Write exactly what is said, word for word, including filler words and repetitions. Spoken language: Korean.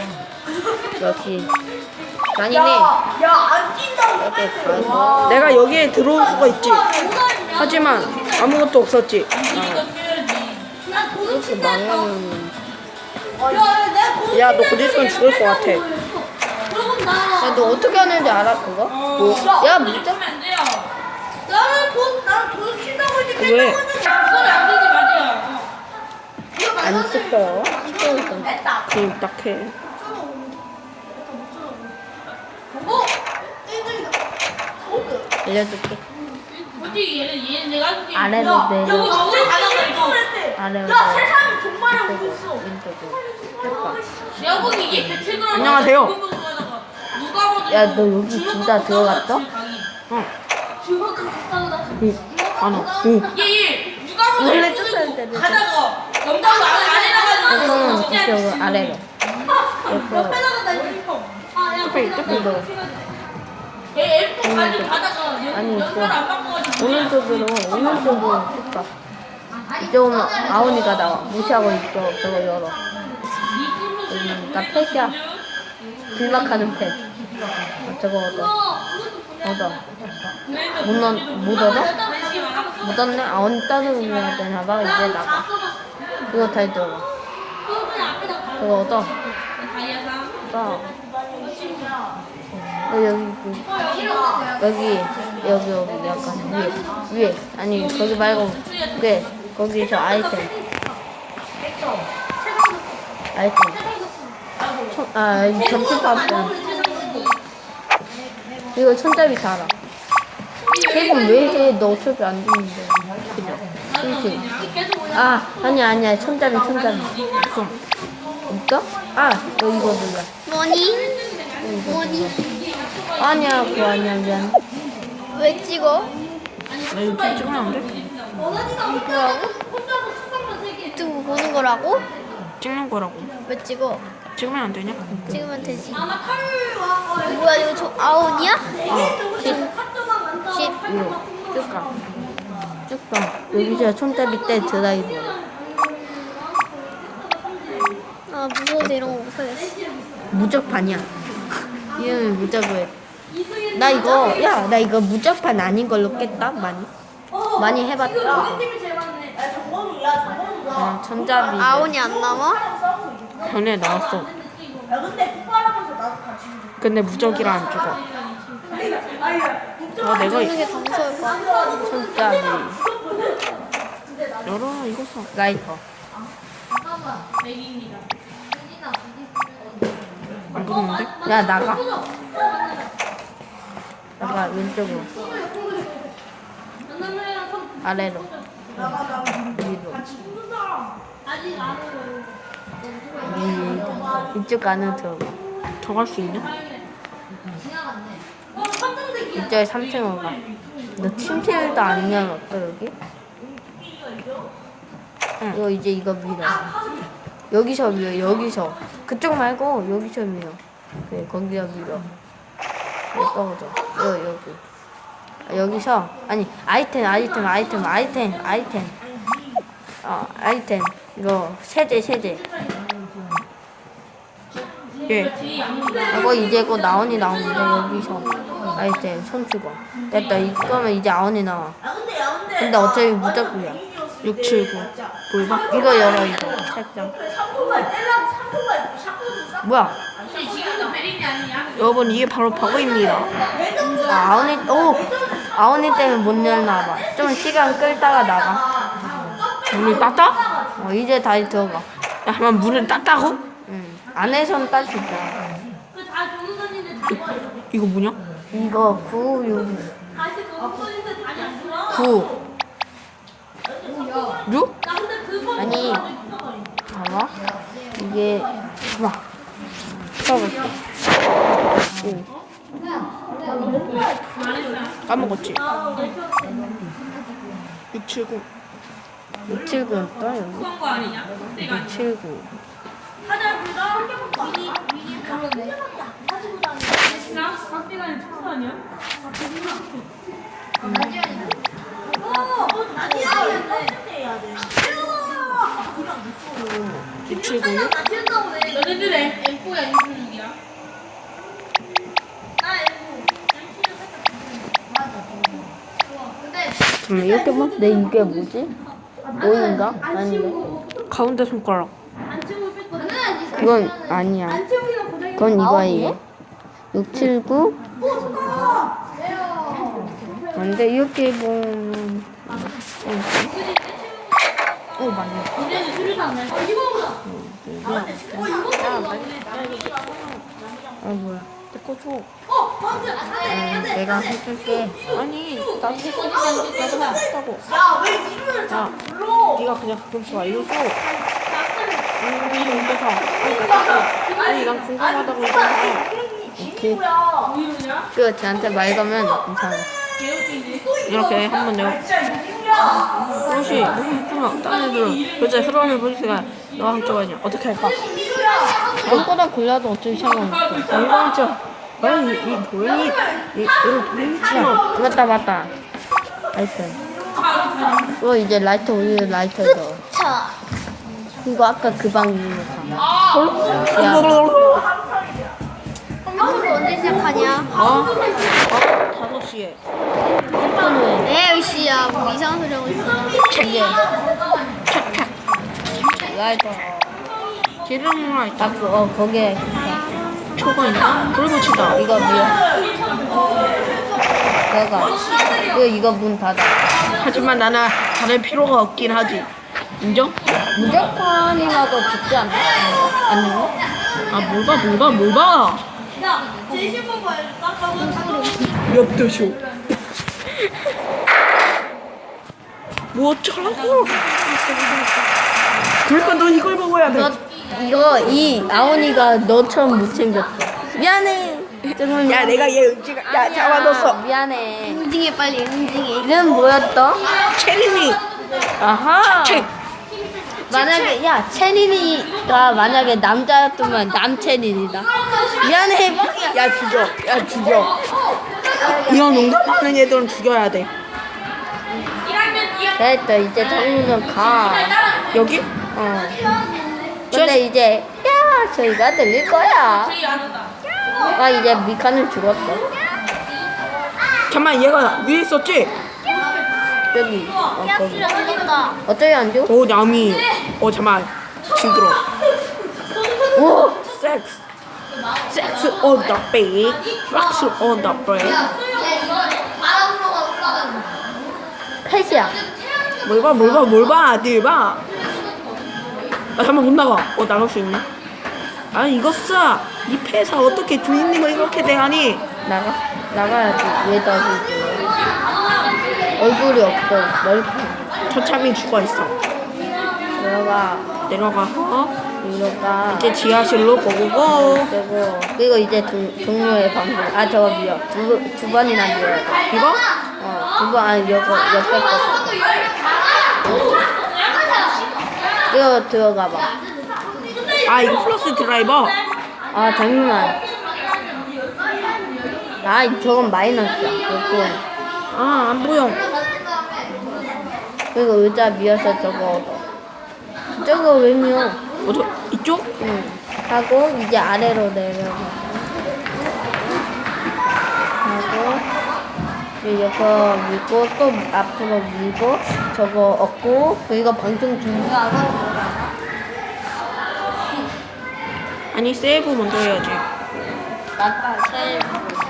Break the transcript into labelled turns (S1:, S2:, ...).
S1: 역시 아니네.
S2: 야안 뛴다고.
S1: 이렇게 가서
S3: 내가 여기에 들어올 수가 있지. 하지만 아무것도 없었지.
S2: 난 도둑
S1: 이렇게
S2: 친다 했어.
S1: 망하면
S2: 야, 내가 도둑
S3: 야, 너 곧 있으면 죽을 것 같아.
S2: 그러면 나.
S1: 야, 너 어떻게 하는지 알아 그거? 뭐? 야 진짜?
S2: 나는 도, 나는 도둑 친다고 했지.
S3: 왜?
S1: 안 씹어요. 씹어있던
S2: 됐다.
S3: 그럼 딱 해.
S2: 어? 일등이다. 호그.
S1: 알려줄게.
S4: 솔직히 얘는 얘는 내가 알고 있는
S1: 아래로
S2: 야,
S1: 내려.
S2: 여기 갑자기 가다가 이거 했대.
S1: 아래로
S2: 야,
S1: 내려.
S2: 세상이 정말 하고 있어.
S1: 왼쪽으로. 왼쪽으로.
S4: 내가 보기 얘 배틀그라운드
S3: 안녕하세요.
S4: 누가 봐도
S1: 야, 너 여기 진짜 들어갔어?
S3: 어.
S2: 주먹 갖고 나.
S3: 안 와. 오.
S4: 얘얘 누가 봐도
S1: 원래
S4: 얘
S1: 쫓아야 돼,
S4: 가다가 영당도 안 안에
S1: 그러면
S4: 나가지고
S1: 이쪽으로 아래로. 옆으로.
S2: 옆에다가 나 유니폼. 아, 야,
S3: 뚝배기, 뚝배기.
S1: 위로.
S4: 얘 엠포 가지고 가다가
S1: 아니,
S4: 연결 안 바꿔가지고
S1: 오른쪽으로 오른쪽으로 쭉 이쪽으로 아오니가 나와. 무시하고 있어. 저거 열어. 여기 나 펫이야. 길막하는 펫. 어, 저거 얻어. 얻어. 못, 넣, 못 얻어? 못 얻네? 아오니 따르면 되나봐. 이제 나가. 그거 다 들어. 저거 얻어. 얻어. 어, 여기, 그, 여기, 여기, 여기, 약간 위에, 위에. 아니, 거기 말고, 위에. 거기서 아이템. 아이템. 천, 아, 여기 점수판. 이거 손잡이 달아. 세금 왜 해? 너 어차피 안 되는데. 그죠? 그치? 아, 아니야, 아니야. 손잡이, 손잡이. 없어. 없어? 아, 너 이거 눌러.
S5: 뭐니?
S1: 이거
S5: 뭐니?
S1: 눌러. 아니야, 그거 아니야, 미안.
S5: 왜 찍어?
S3: 나 이거 찍으면 안 돼?
S5: 뭐라고? 유튜브 보는 거라고?
S3: 찍는 거라고.
S5: 왜 찍어?
S3: 찍으면 안 되냐?
S5: 찍으면 되지. 뭐야 이거 저 아웃이야? 십.
S1: 위로. 쭉 가. 쭉 가. 여기서 손잡이 때 드라이브.
S5: 아 무서워서 이런 거 못하겠어.
S1: 무적판이야. 이름이 무적을. 나 이거, 야, 나 이거 무적판 아닌 걸로 깼다, 많이. 많이 해봤다. 이거.
S2: 팀이 제일 많네. 야, 저거는, 야, 저거는 뭐야?
S1: 그냥 손잡이.
S5: 아웃이 안 남아?
S3: 전에 나왔어.
S2: 야, 근데 폭발하면서 나도 같이.
S3: 근데 무적이라 안 죽어. 아, 내가
S5: 찍는 게 더 무서울 것 같아.
S1: 손잡이.
S3: 열어, 이거 써.
S1: 라이터.
S3: 안 그러는데?
S1: 야, 나가. 나가, 왼쪽으로. 아래로. 위로. 위, 이쪽 안으로 들어가.
S3: 더 갈 수 있냐?
S1: 이쪽에 삼 층으로 가. 너 침실도 안 열었어, 여기?
S3: 응.
S1: 이거 이제 이거 밀어. 여기서 밀어, 여기서. 그쪽 말고 여기서 밀어. 그래, 거기서 밀어. 여기 떨어져. 여기, 여기. 아, 여기서, 아니, 아이템, 아이템, 아이템, 아이템, 아이템. 어, 아이템. 이거, 세제, 세제.
S3: 예.
S1: 이거 이제 곧 아온이 나오는데, 여기서. 아이템, 손수건. 됐다, 이거면 이제 아온이 나와.
S2: 아, 근데, 야, 근데.
S1: 근데 어차피 무적이야.
S3: 육, 칠, 구. 뭘 봐?
S1: 이거 열어, 이거. 책장.
S2: 삼토발 떼려고 삼토발 샷건을 싹.
S1: 뭐야?
S4: 지금도 베린이 아니냐?
S3: 여러분, 이게 바로 버그입니다.
S1: 아, 아온이, 오! 아온이 때문에 못 열나 봐. 좀 시간 끌다가 나가.
S3: 문을 땄다?
S1: 어, 이제 다시 들어가.
S3: 야, 한번 문을 땄다고?
S1: 응. 안에서는 딸 수 있다.
S4: 그다 조선인들 다
S3: 이거 뭐냐?
S1: 이거 구, 육,
S4: 다시 조선인들 다시 안 들어?
S1: 구.
S3: 육?
S4: 나 근데 그거
S1: 아니, 봐봐. 이게, 봐봐. 써볼게. 오.
S3: 까먹었지? 육, 칠, 구.
S1: 육, 칠, 구였다, 여기.
S4: 그런 거 아니냐? 내가
S1: 육, 칠, 구.
S2: 하자, 불다 한 개밖에 안 미니, 미니 한 개밖에 안 가지고 다니는.
S4: 나 박대가 아니라 청소 아니야?
S2: 어, 나디아 해야 돼.
S3: 육, 칠, 구.
S4: 너네들의 엠포야 이거
S1: 잠깐만 이렇게 봐. 내 이게 뭐지? 오인가? 아닌데.
S3: 가운데 손가락.
S1: 그건 아니야. 그건 이거예요. 육, 칠, 구. 근데 이렇게 보면 어 맞네. 아 뭐야?
S3: 내거 줘.
S1: 음, 내가 해줄게.
S3: 아니 나도 했어. 나도 했다고. 야 네가 그냥 가끔씩 알려줘. 음 이거 이거 사. 아니 나 사고. 아니 난 궁금하다고 이거 사.
S1: 오케이. 그 쟤한테 말 거면 괜찮아.
S3: 이렇게 한번 내가 그것이 너무 했구나. 다른 애들은 도대체 흐름을 보니까 너가 한쪽 아니야. 어떻게 할까?
S1: 아무거나 골라도 어차피 상관없어.
S3: 이거 아니 이 도현이 이 이거 도현이처럼
S1: 맞다 맞다. 라이터. 이거 이제 라이터 우리 라이터 넣어.
S5: 자.
S1: 이거 아까 그 방 있는 거 봐. 야,
S5: 컴퓨터 언제 시작하냐?
S3: 어? 어? 다섯 시에
S1: 폰을
S5: 에이 씨야 뭐 이상한 소리 하고 있어.
S1: 이게 라이터.
S3: 기름이랑 있다.
S1: 아, 그, 어 거기에
S3: 초가 있나? 불 붙이다.
S1: 이거 뭐야? 내가 이거 이거 문 닫아.
S3: 하지만 나는 다를 필요가 없긴 하지. 인정?
S1: 무조건이라도 죽지 않나? 아니요?
S3: 아 뭘 봐, 뭘 봐, 뭘 봐.
S2: 제 신분 봐야겠다.
S3: 엽도쇼. 뭐 어쩌라고? 그러니까 넌 이걸 먹어야 돼.
S1: 너 이거 이 아오니가 너처럼 못 챙겼어. 미안해. 정말
S3: 야 내가 얘 음식 야 잡아뒀어.
S1: 미안해.
S5: 응징해 빨리 응징해.
S1: 이름 뭐였더?
S3: 체린이.
S1: 아하.
S3: 책.
S1: 만약에 야 채린이가 만약에 남자였으면 남채린이다. 미안해.
S3: 야 죽여. 야 죽여. 이런 농담하는 애들은 죽여야 돼.
S1: 됐다. 이제 정우는 가.
S3: 여기?
S1: 어. 근데 이제 야 저희가 들릴 거야. 아 이제 미카는 죽었어.
S3: 잠깐만 얘가 위에 있었지?
S1: 여기. 어 거기.
S5: 죽었다.
S1: 어떻게 안 죽어?
S3: 오 남이. 어 잠깐만. 징그러.
S1: 오.
S3: 섹스. 섹스 on the bed. 섹스 on the bed.
S1: 펫이야.
S3: 뭘 봐, 뭘 봐, 뭘 봐, 늘 봐. 아, 잠깐만, 못 나가. 어, 나갈 수 있네. 아, 이거 싸. 이 폐사 어떻게 주인님을 이렇게 대하니?
S1: 나가 나가야지. 왜 다시 얼굴이 없어. 넓고.
S3: 처참히 죽어있어.
S1: 들어가.
S3: 내려가. 어?
S1: 들어가.
S3: 이제 지하실로 고고고.
S1: 그리고 그리고 이제 동, 동료의 방송. 아 저거 미어. 두, 두 번이나 미어야 돼.
S3: 이거?
S1: 어, 두 번, 아니, 요거, 옆에 거. 이거 들어가 봐.
S3: 아, 이거 플러스 드라이버.
S1: 아, 잠시만. 아, 저건 마이너스야. 요거.
S3: 아, 안 보여.
S1: 그리고 의자 미어서 저거 얻어. 저거 왜 미어?
S3: 어저 이쪽?
S1: 응. 하고, 이제 아래로 내려가. 하고, 이거 밀고, 또 앞으로 밀고, 저거 얻고, 그리고 방송 종료하고,
S3: 아니, 세이브 먼저 해야지.
S1: 맞다, 세이브.